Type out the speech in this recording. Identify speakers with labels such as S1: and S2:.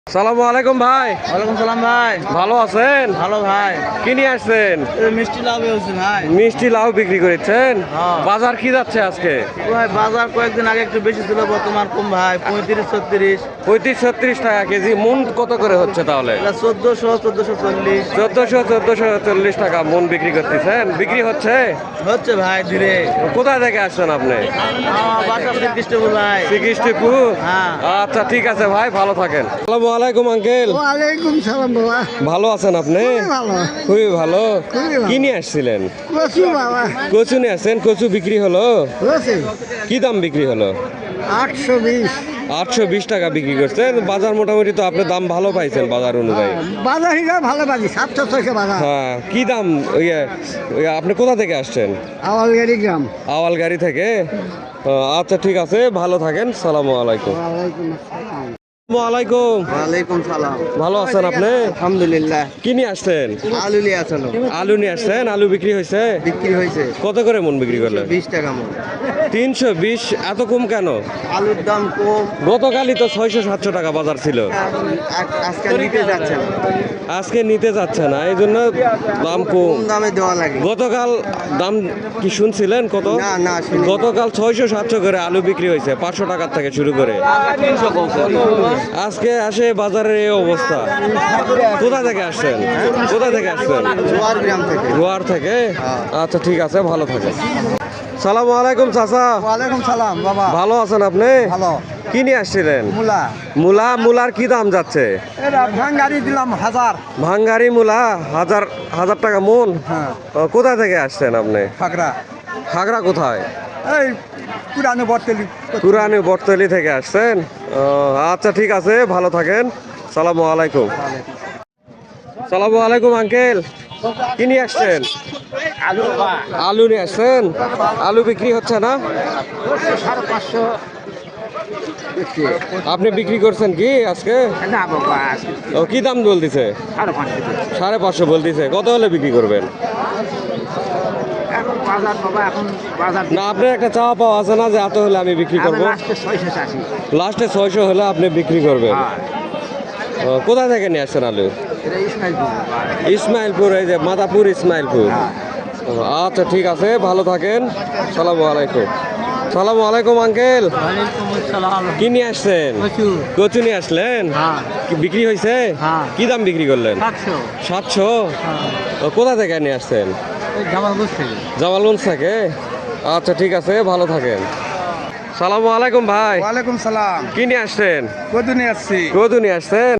S1: সালামু আলাইকুম ভাই।
S2: ওয়ালাইকুম সালাম ভাই।
S1: ভালো আছেন?
S2: ভালো ভাই।
S1: কি নিয়ে আসছেন?
S2: মিষ্টি লাউ হচ্ছে ভাই।
S1: মিষ্টি লাউ বিক্রি করেছেন?
S2: হ্যাঁ।
S1: বাজার কি যাচ্ছে আজকে?
S2: ভাই বাজার কয়েকদিন আগে একটু বেশি ছিল, বর্তমান কম ভাই, 35-36।
S1: 35-36 টাকা কেজি। মন কত করে হচ্ছে তাহলে?
S2: 1440।
S1: 1440 টাকা মন বিক্রি করতেছেন। বিক্রি হচ্ছে
S2: হচ্ছে ভাই ধীরে।
S1: কোথা থেকে আসছেন আপনি?
S2: আমার বাসা শ্রীকৃষ্ণপুর ভাই।
S1: শ্রীকৃষ্ণপুর?
S2: হ্যাঁ।
S1: আচ্ছা ঠিক আছে ভাই, ভালো থাকেন। আসসালামু আলাইকুম আঙ্কেল।
S3: ওয়ালাইকুম সালাম বাবা।
S1: ভালো আছেন আপনি?
S3: খুবই ভালো।
S1: খুবই ভালো।
S3: খুবই ভালো।
S1: কি নিয়ে আসছিলেন?
S3: কচু বাবা।
S1: কচু নিয়ে আসছেন। কচু বিক্রি হলো?
S3: হয়েছে
S1: কি দাম বিক্রি হলো?
S3: 820।
S1: 820 টাকা বিক্রি করছেন। বাজার মোটামুটি তো আপনি দাম ভালো পাইছেন বাজার অনুযায়ী।
S3: বাজার হিসাবে ভালো বাজি 700-600 বাজার।
S1: হ্যাঁ, কি দাম? আপনি কোথা থেকে আসছেন?
S3: আওয়ালগাড়ি গ্রাম।
S1: আওয়ালগাড়ি থেকে? আচ্ছা ঠিক আছে, ভালো থাকেন। সালামু আলাইকুম।
S3: ওয়ালাইকুম আসসালাম।
S1: আসসালামু আলাইকুম।
S2: ওয়ালাইকুম সালাম।
S1: ভালো আছেন আপনি?
S2: আলহামদুলিল্লাহ।
S1: কি নিয়ে আসছেন?
S2: আলু নিয়ে আসলো,
S1: আলু নিয়ে আসছেন। আলু বিক্রি হয়েছে?
S2: বিক্রি হয়েছে
S1: কত করে মন বিক্রি করলেন?
S2: 20 টাকা মন।
S1: 320। এত কম কেন?
S2: আলুর দাম কম,
S1: গতকালই তো 600-700 টাকা বাজার ছিল।
S2: আজকে নিতে যাচ্ছে না,
S1: আজকে নিতে যাচ্ছে না, এই জন্য দাম কম।
S2: কম দামে দেওয়া লাগে।
S1: গতকাল দাম কি শুনছিলেন কত?
S2: না, শুনিনি।
S1: গতকাল 600-700 করে আলু বিক্রি হয়েছে, 500 টাকার থেকে শুরু করে। আজকে আসে বাজারের এই অবস্থা। কোথা থেকে আসছেন? কোথা থেকে আসছেন?
S2: জোয়ার গ্রাম থেকে।
S1: গোয়ার থেকে? আচ্ছা ঠিক আছে, ভালো থাকেন। সালামু আলাইকুম চাচা।
S3: ওয়ালাইকুম সালাম বাবা।
S1: ভালো আছেন আপনি?
S3: ভালো।
S1: কি নিয়ে আসছিলেন?
S3: মূলা।
S1: মূলার কি দাম যাচ্ছে?
S3: এটা ভাঙ্গারি দিলাম 1000।
S1: ভাঙ্গারি মূলা হাজার টাকা মন?
S3: হ্যাঁ।
S1: কোথা থেকে আসছেন আপনি?
S3: ফাকরা।
S1: খাগড়া কোথায়?
S3: এই পুরানো বর্তলি।
S1: পুরানি বটতলি থেকে আসছেন? আচ্ছা ঠিক আছে, ভালো থাকেন। সালামু আলাইকুম। সালামু আলাইকুম আঙ্কেল। কি নিয়ে আসছেন? আলু নিয়ে আসছেন। আলু বিক্রি হচ্ছে না?
S2: 550।
S1: আপনি বিক্রি করছেন কি আজকে?
S2: না বাবা,
S1: ও, কি দাম বলতেছে?
S2: 550।
S1: 550 বলতেছে। কত হলে বিক্রি করবেন?
S2: এখন বাজার বাবা, এখন বাজার
S1: না, আপনার একটা চাওয়া পাওয়া আছে না যে এত হলে আমি বিক্রি করবো?
S2: লাস্টে 680।
S1: লাস্টে 600 হলে আপনি বিক্রি করবেন। কোথা থেকে নিয়ে আসছেন আলু?
S2: এটা ইসমাইলপুর।
S1: ইসমাইলপুর, এই যে মাদাপুর ইসমাইলপুর। আচ্ছা ঠিক আছে, ভালো থাকেন। সালামু আলাইকুম। সালামু আলাইকুম আঙ্কেল।
S2: ওয়ালাইকুম আসসালাম।
S1: কি নিয়ে আসছেন?
S2: কচু।
S1: কচু নিয়ে আসলেন?
S2: হ্যাঁ।
S1: কি বিক্রি হয়েছে?
S2: হ্যাঁ।
S1: কি দাম বিক্রি করলেন?
S2: 700।
S1: 700? কোথা থেকে নিয়ে আসছেন?
S2: জামালপুর থেকে।
S1: জামালগঞ্জ থেকে? আচ্ছা ঠিক আছে, ভালো থাকেন। সালামু আলাইকুম ভাই।
S3: ওয়ালাইকুম সালাম।
S1: কি নিয়ে আসছেন?
S3: কদু নিয়ে আসছি।
S1: কদু নিয়ে আসছেন?